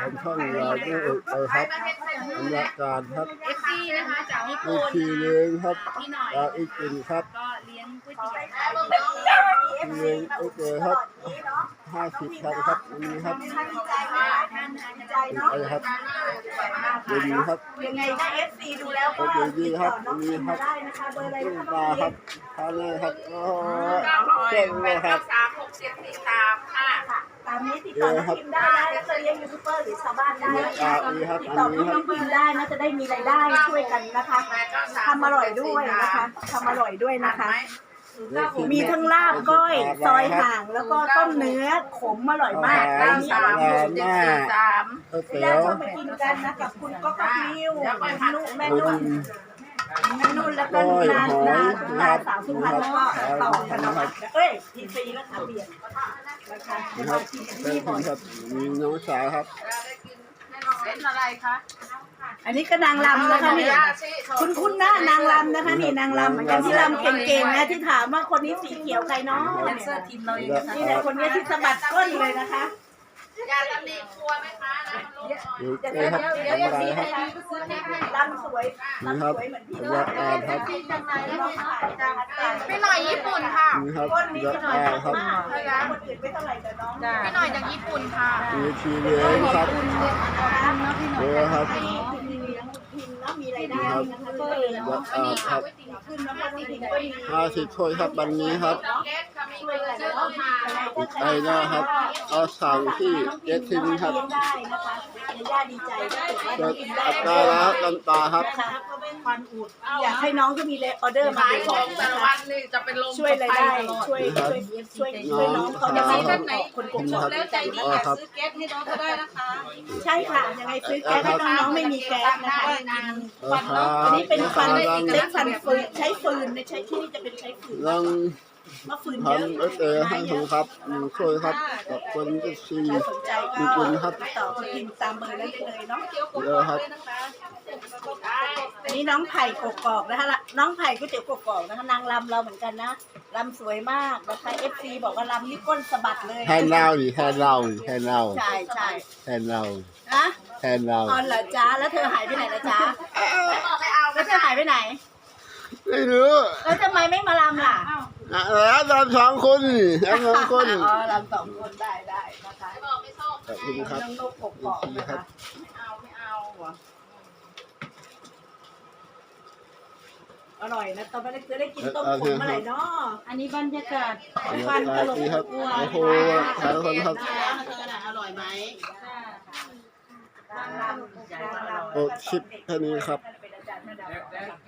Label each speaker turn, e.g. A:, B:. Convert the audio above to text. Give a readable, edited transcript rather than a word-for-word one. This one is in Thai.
A: ผมช่องเราไม่เอกไปครับบรรยากาศครับ
B: FC นะคะจากญี่
A: มี
B: ปุ่น
A: ทีเลี้ยงครับ
B: พี่หน่อย
A: จากอีกกินครับ
B: ก็เลี้ยงก๋วยเตี๋ยว
A: เลี้ยงโอเคครับ50ครับวันนี้ครับ
B: ท่านนะคะจะได้
A: ไปครับดีครับ
C: ยังไงถ้า FC ดูแล้วก็
A: ก็ดีครับ
C: น้อง
A: ดี
C: พิม
A: ครับ
C: ได้นะคะเบอร์อะไร
A: ขึ้น
C: นะคะ
A: มา
C: น้อง
A: ค
C: พิ
A: รับ
C: ม
A: ทานเลยครับโอ้
B: 900
A: เก่งเลยครับ
B: 893 ค่ะ
C: ตามนี้ติดต่อน้องพิมได้นะแล้วจะเลี้ยงยูทูบเบอร์หรือชาวบ้านได้นะคะ
A: ดีครับ
C: ติด
A: อัน
C: ต่อ
A: นี้
C: น้องพิมได้นะจะได้มีรายได้ช่วยกันนะคะทำอร่อยด้วยนะคะทำอร่อยด้วยนะคะ มีทั้งลาบก้อยซอยห่างแล้วก็ต้มเนื้อขมอร่อยมากร้านนี้อร่อยมาก
A: ก๋วยเตี๋
C: แล้
A: ยว ว
C: ก็ไปกินกันนะกับคุณก็ก็มิวแม่
A: คุ
C: นุ่
A: ณ
C: นแม่นุ่นแล้วก็นานสาวสุพรรณแล้วก็ต่อธนวัฒน์เอ้ยทีซีแล้วค่ะเบียร์นะคะ
A: นะครับเป็นคุณครับมีน้องสาวครับ
B: เป็นอะไรคะ
C: อันนี้ก็นางรำนะคะนี่คุณนะนางรำนะคะนี่นางรำเหมือนกันที่รำเก่งๆนะที่ถามว่าคนนี้สีเขียวใครเนาะ
B: แดนเซอร์ทีมเราเองนะคะ
C: นี่แหละคนนี้ที่สะบัดก้นเลยนะคะ
B: ยาตำหนิครัวไหมคะนะมันลงหน่อย
A: อยู่เอ้ครับทำอะไรครับ
C: รำสวย
A: นี่ครับ
C: รำสวยเหมือนพี่
A: บรรยากาศครับ
B: พี่หน่อยญี่ปุ่นค่ะ
A: นี่ครับ
C: ก้น
A: บร
C: นี้
A: รยา
C: พี่หน่อย
A: กาศครับ
C: มากเลยนะคนอื่นไม่เท่าไหร่แต่น้อง
B: พี่หน่อยจากญี่ปุ่นค่ะ
A: มีทีเลี้ยงครับเยอะครับ
C: พิมแล้วมีรายได้นะคะก็เลย
A: บรรยากาศครับ
C: ขึ้นแล้วก็พิมก็มี
A: 50ถ้วยครับวันนี้ครับ
B: เกสค่ะมีเงินซื้อต้นไม้
A: อีกไปนะครับเอาสั่งที่เจทินครับ
C: เลี้ยงได้นะคะย่าดีใจถ้าเกิดว่า
A: เกิ
C: น้อ
A: ด
C: งกินได้
A: อัตราแล้วกันตาครับ
C: นะคะอยากให้น้องก็มีออเดอร์มา
B: ขาย
C: ข
B: ข
C: อ
B: อง
C: ง
B: แต่
C: นะ
B: ละ
C: คะ
B: วันนี่จะเป็นลม
C: ช่วยรายได้ช่วยน้องเขาจะมีกันไหนคนกลุ่ม
A: ครับ
C: แล้วใจดี
A: ครับ
B: ซื้อแก๊สให้น้องก็ได้นะคะ
C: ใช่ค่ะยังไงซื้อแก๊สให้น้องๆไม่มีแก๊สนะคะ อันนี้เป็นฟันใช้ฟันฟืนใช้ฟืนในใช้ที่นี่จะเป็นใช้ฟืน
A: ยัง
C: มะฟืนเยอะ
A: ทำเอเตให้ผมครับช่วยครับกับคนที่ซี
C: ถ้าสนใจก็
A: มีคุณครับ
C: ติดต่อพิมพ์ตามเบอร์นั้นได้เลยเนาะ
A: เยอะครับ
C: อันนี้น้องไผ่กกอกนะคะน้องไผ่ก๋วยเตี๋ยวกกอกนะคะนางรำเราเหมือนกันนะรำสวยมากนะคะ FC บอกว่ารำนี่ก้นสะบัดเลย
A: แทนเราดิแทนเราแทนเรา
C: ใช่ใช่
A: แทนเรา
C: นะ
A: แทนเรา
C: อ๋อเหรอจ้าแล้วเธอหายไปไหนล่ะจ้าแล้วเธอหายไปไหน
A: ไม่รู้
C: แล้วทำไมไม่มารำล่ะ
A: แล้วตาม2 คนแล้ว2 คน
C: อ๋อรำ2 คนได้นะคะ
A: ขอบคุณครับ
C: น้องนกกกอกนะคะ
B: ไม่เอาว่ะ
C: อร่อยนะตอนนี้จะได้กินต้มขมเมื่อไหร่เนาะ
B: อันนี้บรรยากาศ
C: ฟันตลก
A: ดีครับ
C: กลัว
A: โอ้โหหลายคนครับ
C: เธอน่ะอร่อยไหมนางรำ
A: โอ้คลิปแค่นี้ครับ